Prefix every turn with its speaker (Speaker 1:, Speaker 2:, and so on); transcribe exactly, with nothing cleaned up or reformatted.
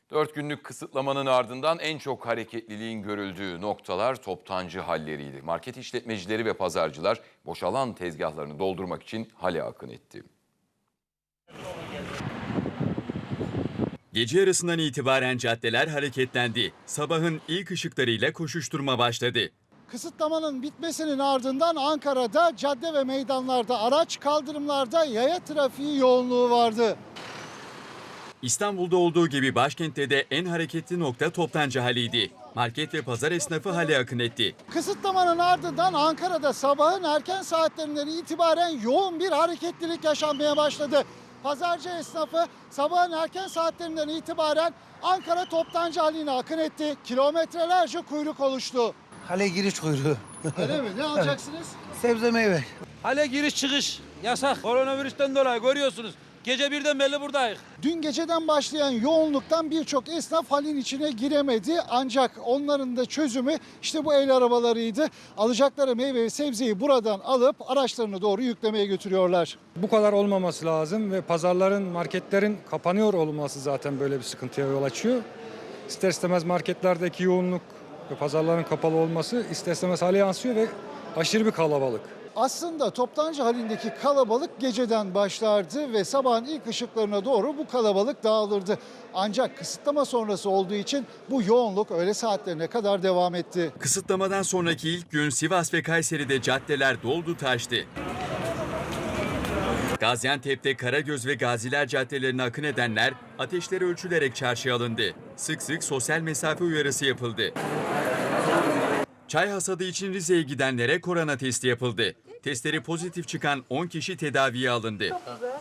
Speaker 1: Dört günlük kısıtlamanın ardından en çok hareketliliğin görüldüğü noktalar toptancı halleriydi. Market işletmecileri ve pazarcılar boşalan tezgahlarını doldurmak için hale akın etti.
Speaker 2: Gece yarısından itibaren caddeler hareketlendi. Sabahın ilk ışıklarıyla koşuşturma başladı.
Speaker 3: Kısıtlamanın bitmesinin ardından Ankara'da cadde ve meydanlarda araç, kaldırımlarda yaya trafiği yoğunluğu vardı.
Speaker 2: İstanbul'da olduğu gibi başkentte de en hareketli nokta toptancı haliydi. Market ve pazar esnafı hale akın etti.
Speaker 3: Kısıtlamanın ardından Ankara'da sabahın erken saatlerinden itibaren yoğun bir hareketlilik yaşanmaya başladı. Pazarcı esnafı sabahın erken saatlerinden itibaren Ankara toptancı haline akın etti. Kilometrelerce kuyruk oluştu.
Speaker 4: Hale giriş kuyruğu.
Speaker 3: Öyle mi? Ne alacaksınız?
Speaker 4: Sebze meyve.
Speaker 5: Hale giriş çıkış yasak. Koronavirüsten dolayı görüyorsunuz. Gece birden belli buradayız.
Speaker 3: Dün geceden başlayan yoğunluktan birçok esnaf halin içine giremedi. Ancak onların da çözümü işte bu el arabalarıydı. Alacakları meyve ve sebzeyi buradan alıp araçlarını doğru yüklemeye götürüyorlar.
Speaker 6: Bu kadar olmaması lazım ve pazarların, marketlerin kapanıyor olması zaten böyle bir sıkıntıya yol açıyor. İster istemez marketlerdeki yoğunluk ve pazarların kapalı olması ister istemez hale yansıyor ve aşırı bir kalabalık.
Speaker 3: Aslında toptancı halindeki kalabalık geceden başlardı ve sabahın ilk ışıklarına doğru bu kalabalık dağılırdı. Ancak kısıtlama sonrası olduğu için bu yoğunluk öğle saatlerine kadar devam etti.
Speaker 2: Kısıtlamadan sonraki ilk gün Sivas ve Kayseri'de caddeler doldu taştı. Gaziantep'te Karagöz ve Gaziler caddelerine akın edenler ateşleri ölçülerek çarşıya alındı. Sık sık sosyal mesafe uyarısı yapıldı. Çay hasadı için Rize'ye gidenlere korona testi yapıldı. Testleri pozitif çıkan on kişi tedaviye alındı.